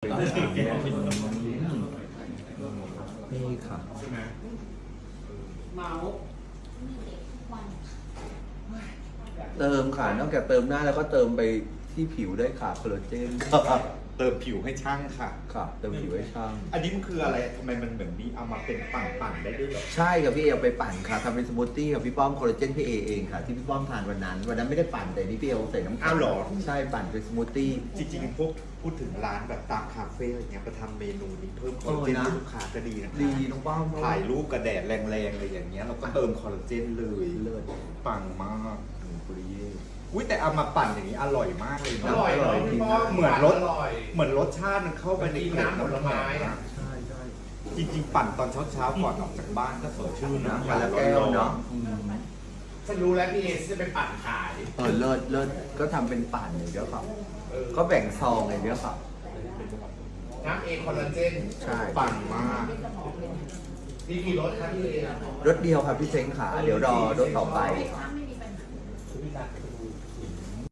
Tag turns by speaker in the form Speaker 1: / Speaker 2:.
Speaker 1: นี่ค่ะเติมค่ะนอกจากเติมหน้าแล้วก็เติมไปที่ผิวได้ค่ะคอลลาเจน
Speaker 2: เติมผิวให้ช่างค่ะ
Speaker 1: ค่ะเติมผิวให้ช่าง
Speaker 2: อันนี้มันคืออะไรทำไมมันเหมือนมีเอามาเป็นปั่นๆได้ด้วยเหรอ
Speaker 1: ใช่ครับพี่เอเอาไปปั่นค่ะทำเป็นสมูทตี้กับพี่ป้อมคอลลาเจนพี่เอเองค่ะที่พี่ป้อมทานวันนั้นไม่ได้ปั่นแต่นี่พี่เอใส่น้ำแข็
Speaker 2: อ้าวเหรอ
Speaker 1: ใช่ปั่นเป็นสมูทตี้
Speaker 2: จริงๆพวกพูดถึงร้านแบบตามคาเฟ่อะไรเงี้ยไปทำเมนูนี้เพิ่มคอลลาเจนให้ลูกค้าก็ดีนะคะ
Speaker 1: ดีน้องป้อม
Speaker 2: ถ่ายรูปกระแดดแรงๆอะไรอย่างเงี้ยเราก็เติมคอลลาเจนเลย
Speaker 1: เลิศ
Speaker 2: ปังมาก
Speaker 1: ปุริเย่
Speaker 2: อุ้ยแต่เอามาปั่นอย่างนี้อร่อยมากเลย
Speaker 3: อ
Speaker 2: นะ
Speaker 3: ร่อยเนาะพี่ป้อม
Speaker 2: เหมือนรส
Speaker 3: อร่อย
Speaker 2: เหมือนรสชาติมันเข้าไปใน
Speaker 3: กินน้ำผลไม้อะ
Speaker 1: ใช่ใช่
Speaker 2: จริงๆปั่นตอนเช้าๆก่อนออกจากบ้านก็สดชื่นนะ
Speaker 1: วันละแก้วเนาะ
Speaker 3: ฉันรู้แล้วพี่เอจะไปปั่นขาย
Speaker 1: เลิศก็ทำเป็นปั่นอย่างเดียวครับก็แบ่งซองอย่างเดียวครับ
Speaker 3: น้ำเอคอลลาเจน
Speaker 1: ใช่
Speaker 2: ปั่นมาก
Speaker 3: นี่กี่รสครับพี่เอ
Speaker 1: รถเดียวครับพี่เซ้งขาเดี๋ยวรอรถต่อไป
Speaker 4: ไม่